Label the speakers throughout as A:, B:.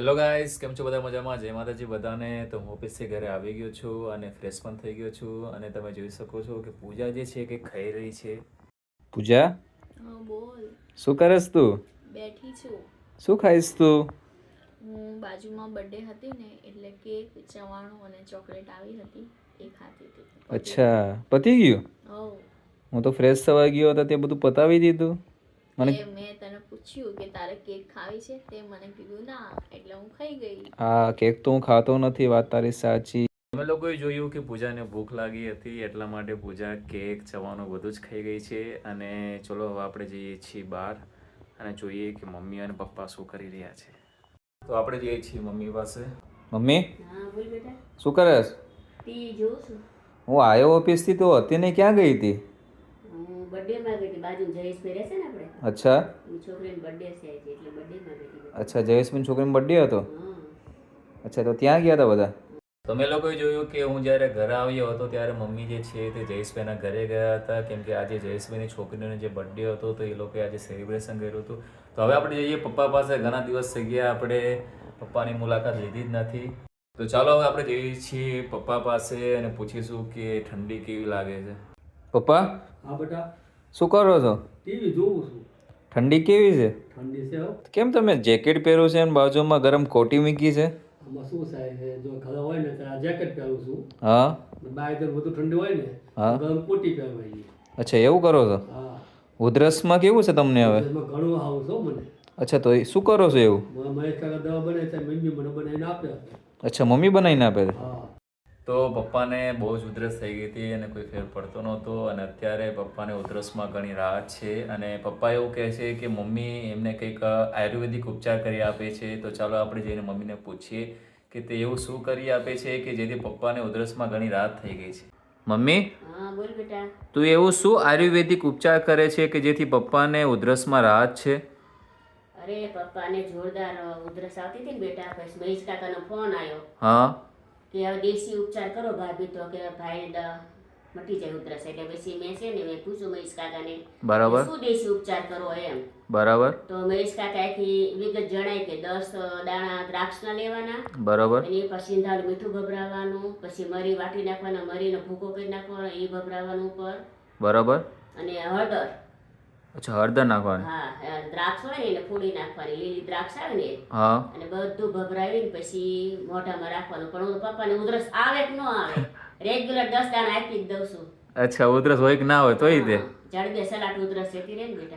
A: Hello guys, કેમ છો બધા? મજામાં? જય માતાજી બધાને. તો હું ઓફિસથી ઘરે આવી ગયો છું અને ફ્રેશ પણ થઈ ગયો છું અને તમે જોઈ શકો છો કે પૂજા જે છે કે ખાઈ રહી છે. પૂજા,
B: હા બોલ.
A: શું કરસ તું?
B: બેઠી છું.
A: શું ખાઈશ તું?
B: હું બાજુમાં બર્થડે હતી ને એટલે કેક, ચવાણું અને ચોકલેટ આવી હતી એ ખાતી હતી.
A: અચ્છા, પતી ગયું?
B: હવ.
A: હું તો ફ્રેશ થવા ગયો હતો તે બધું પતાવી દીધું.
B: તે
A: મને
B: મેં તને પૂછ્યું કે તારે કેક ખાવી છે તે મને કીધું ના એટલે હું ખાઈ ગઈ.
A: હા, કેક તો હું ખાતો નથી, વાત તારી સાચી. અમે લોકોએ જોયું કે પૂજાને ભૂખ લાગી હતી એટલા માટે પૂજા કેક, ચવાનું બધું જ ખાઈ ગઈ છે અને ચલો હવે આપણે જઈએ છીએ બહાર અને જોઈએ કે મમ્મી અને પપ્પા શું કરી રહ્યા છે. તો આપણે જઈએ છીએ મમ્મી પાસે. મમ્મી,
B: હા બોલ બેટા.
A: શું કરસ?
B: ટીવી જોઉં છું.
A: હું આવ્યો ઓફિસથી તો અત્યારે ક્યાં ગઈ હતી?
B: હું બર્થડેમાં ગઈ હતી. બાજુ જયેશભાઈ રહેશે ને આપણે.
A: અચ્છા.
B: એ છોકરીનો બર્થડે છે એટલે બર્થડેમાં ગઈ હતી.
A: અચ્છા, જયેશભાઈ છોકરીનો બર્થડે હતો?
B: હા.
A: અચ્છા, તો ત્યાં ગયા હતા બધા? તમે લોકોએ જોયું કે હું જ્યારે ઘરે આવ્યો હતો ત્યારે મમ્મી જે છે તે જયેશભાઈના ઘરે ગયા હતા કેમ કે આજે જયેશભાઈની છોકરીનો જે બર્થડે હતો તો એ લોકોએ આજે સેલિબ્રેશન કર્યું હતું. તો હવે આપણે જઈએ પપ્પા પાસે. ઘણા દિવસ થઈ ગયા આપણે પપ્પાની મુલાકાત લીધી જ નથી. તો ચાલો હવે આપણે જઈએ છીએ પપ્પા પાસે અને પૂછીશું કે ઠંડી કેવી લાગે છે. પપ્પા.
C: હા બેટા.
A: શું કરો છો?
C: ટીવી જોઉં છું.
A: ઠંડી કેવી છે?
C: ઠંડી છે હો.
A: કેમ તમે જેકેટ પહેરો છે અને બાજુમાં ગરમ કોટી મૂકી છે?
C: આમાં શું થાય છે, જો ઘરે હોય ને ત્યારે જેકેટ પહેરું છું.
A: હા.
C: બહાર તો વધુ ઠંડી હોય ને
A: હા.
C: ગરમ કોટી પહેરવાની.
A: અચ્છા, એવું કરો છો?
C: હા.
A: ઉધરસમાં કેવું છે તમને હવે?
C: એમાં ઘણું આવું છો મને.
A: અચ્છા, તો એ શું કરો છો એવું?
C: મહેશ કાકા દવા બને છે, મમ્મી મને બનાવીને આપે.
A: અચ્છા, મમ્મી બનાવીને આપે છે?
C: હા.
A: તો પપ્પાને બહુ જ ઉધરસ થઈ ગઈ હતી અને કોઈ ફેર પડતો નહોતો અને અત્યારે પપ્પાને ઉધરસમાં ઘણી રાહત છે અને પપ્પા એવું કહે છે કે મમ્મી એમને કંઈક આયુર્વેદિક ઉપચાર કરી આપે છે. તો ચાલો આપણે જઈને મમ્મીને પૂછીએ કે તે એવું શું કરી આપે છે કે જેથી પપ્પાને ઉધરસમાં ઘણી રાહત થઈ ગઈ છે. મમ્મી.
B: હા બોલ બેટા.
A: તું એવું શું આયુર્વેદિક ઉપચાર કરે છે કે જેથી પપ્પાને ઉધરસમાં રાહત છે?
B: અરે પપ્પાને જોરદાર ઉધરસ આવતી હતી ને બેટા, પછી મહેશ કાકાનો ફોન આવ્યો.
A: હા.
B: કે હવે દેશી ઉપચાર કરો ભાભી, તો કે ભાઈ મટી જાય ઉધરસ. એટલે પછી મેં છે ને મેં પૂછ્યું મહેશ કાકાને
A: બરાબર.
B: શું દેશી ઉપચાર કરો એમ.
A: બરાબર.
B: તો મહેશ કાકા આખી વિગત જણાય કે 10 દાણા દ્રાક્ષના લેવાના.
A: બરાબર.
B: એની પછી સિંધાનું મીઠું ભભરાવાનું, પછી મરી વાટી નાખવાના, મરીનો ભૂકો કરી નાખવાનો, એ ભભરાવાનું ઉપર. બરાબર. અને હળદર.
A: અચ્છા, હળદર નાખવાની.
B: હા, દ્રાક્ષ હોય ને એને ફોડી નાખવાની, લીલી દ્રાક્ષ આવે ને.
A: હા.
B: અને બધું ભભરાવીને પછી મોઢામાં રાખવાનું. પણ હું પપ્પાને ઉધરસ આવે કે ન આવે, રેગ્યુલર 10 દાણા આપી જ દઉં છું.
A: અચ્છા, ઉધરસ હોય કે ના હોય તોય દે?
B: જડબે સલાટ ઉધરસ જતી રહે ને બેટા.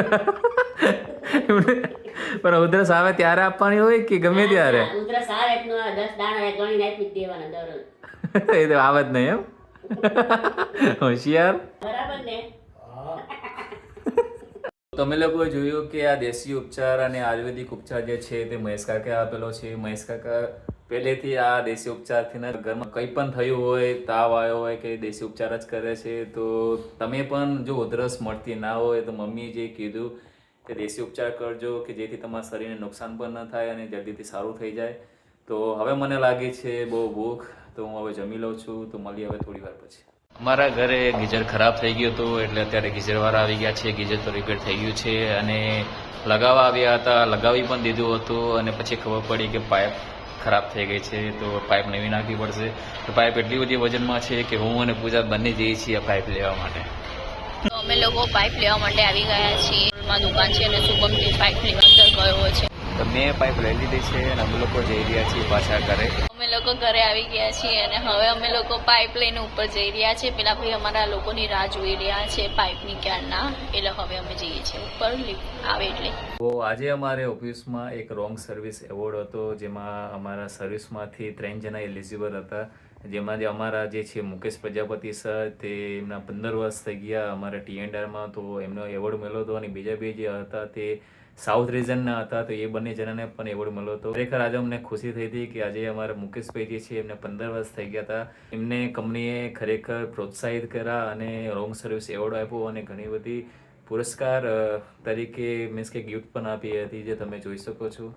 A: પણ ઉધરસ આવે ત્યારે આપવાની હોય કે ગમે ત્યારે?
B: ઉધરસ આવે કે ન આવે 10 દાણા ગણીને આપી જ દેવાના દરરોજ.
A: એ તો આવે જ નહીં એમ. હોશિયાર.
B: બરાબર ને?
C: હા.
A: તમે લોકોએ જોયું કે આ દેશી ઉપચાર અને આયુર્વેદિક ઉપચાર જે છે તે મહેશ કાકાએ આપેલો છે. મહેશ કાકા પહેલેથી આ દેશી ઉપચારથી ઘરમાં કંઈ પણ થયું હોય, તાવ આવ્યો હોય કે દેશી ઉપચાર જ કરે છે. તો તમે પણ જો ઉધરસ મળતી ના હોય તો મમ્મીએ જે કીધું કે દેશી ઉપચાર કરજો કે જેથી તમારા શરીરને નુકસાન પણ ન થાય અને જલ્દીથી સારું થઈ જાય. તો હવે મને લાગે છે બહુ ભૂખ, તો હું હવે જમી લઉં છું. તો મળીએ હવે થોડી વાર પછી. અમારા ઘરે ગીઝર ખરાબ થઈ ગયું હતું એટલે અત્યારે ગીઝરવાળા આવી ગયા છે. ગીઝર તો રિપેર થઈ ગયું છે અને લગાવવા આવ્યા હતા, લગાવી પણ દીધું હતું અને પછી ખબર પડી કે પાઇપ ખરાબ થઈ ગઈ છે. તો પાઇપ નવી નાખવી પડશે. તો પાઇપ એટલી બધી વજનમાં છે કે હું અને પૂજા બંને જઈએ છીએ પાઇપ લેવા માટે.
D: તો અમે લોકો પાઇપ લેવા માટે આવી ગયા છીએ. દુકાન છે અને શુભમથી પાઇપ લેવા અંદર ગયો છે.
A: તો મેં પાઇપ લઈ લીધી છે અને અમે લોકો જઈ રહ્યા છીએ પાછા ઘરે.
D: અમે લોકો ઘરે આવી ગયા છીએ અને હવે અમે લોકો પાઇપ લઈને ઉપર જઈ રહ્યા છીએ. પેલા ભાઈ અમારા લોકોની રાહ જોઈ રહ્યા છે પાઇપની ક્યારના, એટલે હવે અમે જઈએ છીએ ઉપર આવે એટલે.
A: તો આજે અમારે ઓફિસમાં એક રોંગ સર્વિસ એવોર્ડ હતો, જેમાં અમારા સર્વિસમાંથી 3 જણા એલિજિબલ હતા. જેમાં જે અમારા જે છે મુકેશ પ્રજાપતિ સર, તે એમના 15 વર્ષ થઈ ગયા અમારા T&Rમાં, તો એમનો એવોર્ડ મળ્યો હતો. અને બીજા બે જે હતા તે સાઉથ રિજનના હતા, તો એ બંને જણાને પણ એવોર્ડ મળ્યો હતો. ખરેખર આજે અમને ખુશી થઈ હતી કે આજે અમારા મુકેશભાઈ જે છે એમને 15 વર્ષ થઈ ગયા હતા. એમને કંપનીએ ખરેખર પ્રોત્સાહિત કર્યા અને રોંગ સર્વિસ એવોર્ડ આપ્યો અને ઘણી બધી પુરસ્કાર તરીકે મીન્સ કે ગિફ્ટ પણ આપી હતી, જે તમે જોઈ શકો છો.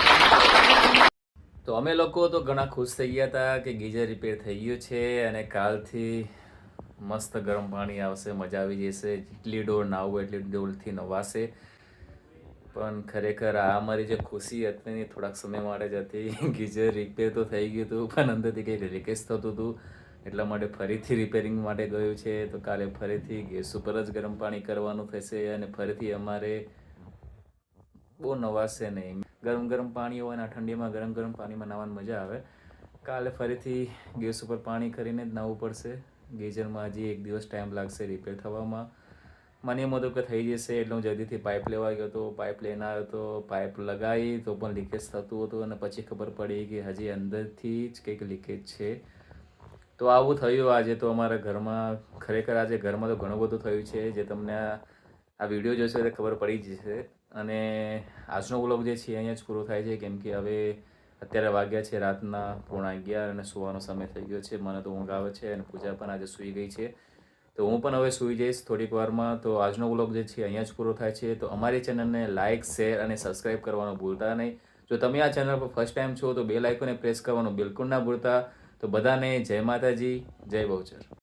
A: તો અમે લોકો તો ઘણા ખુશ થઈ ગયા હતા કે ગીઝર રિપેર થઈ ગયું છે અને કાલથી મસ્ત ગરમ પાણી આવશે, મજા આવી જશે. જેટલી ડોર નાવું એટલી ડોરથી નવાશે. પણ ખરેખર આ અમારી જે ખુશી હતી ને થોડાક સમય માટે જ હતી. ગીઝર રિપેર તો થઈ ગયું હતું પણ અંદરથી કંઈક લીકેજ થતું હતું, એટલા માટે ફરીથી રિપેરિંગ માટે ગયું છે. તો કાલે ફરીથી ગેસ ઉપર જ ગરમ પાણી કરવાનું થશે અને ફરીથી અમારે બહુ નવાશે નહીં. ગરમ ગરમ પાણી હોય ને ઠંડીમાં ગરમ ગરમ પાણીમાં નાહવાની મજા આવે. કાલે ફરીથી ગેસ ઉપર પાણી કરીને જ નાહવું પડશે. ગીઝરમાં હજી એક દિવસ ટાઈમ લાગશે રિપેર થવામાં. મને એમ હતું કે થઈ જશે એટલે હું જલ્દીથી પાઇપ લેવા ગયો હતો. પાઇપ લઈને આવ્યો તો પાઇપ લગાવી તો પણ લીકેજ થતું હતું અને પછી ખબર પડી કે હજી અંદરથી જ કંઈક લીકેજ છે. તો આવું થયું આજે તો અમારા ઘરમાં. ખરેખર આજે ઘરમાં તો ઘણું બધું થયું છે જે તમને આ વિડીયો જોશો એટલે ખબર પડી જશે. અને આજનો વ્લોગ જે છે અહીંયા જ પૂરો થાય છે, કેમ કે હવે અત્યારે વાગ્યા છે રાતના 11:30 અને સુવાનો સમય થઈ ગયો છે. મને તો ઊંઘ આવે છે અને પૂજા પણ આજે સૂઈ ગઈ છે. તો હું પણ હવે સૂઈ જઈશ થોડીક વારમાં. તો આજનો વ્લોગ જે છે અહીંયા જ પૂરો થાય છે. તો અમારી ચેનલને લાઇક, શેર અને સબસ્ક્રાઈબ કરવાનું ભૂલતા નહીં. જો તમે આ ચેનલ પર ફર્સ્ટ ટાઈમ છો તો બેલ આઇકોને પ્રેસ કરવાનું બિલકુલ ના ભૂલતા. તો બધાને જય માતાજી, જય બહુચર.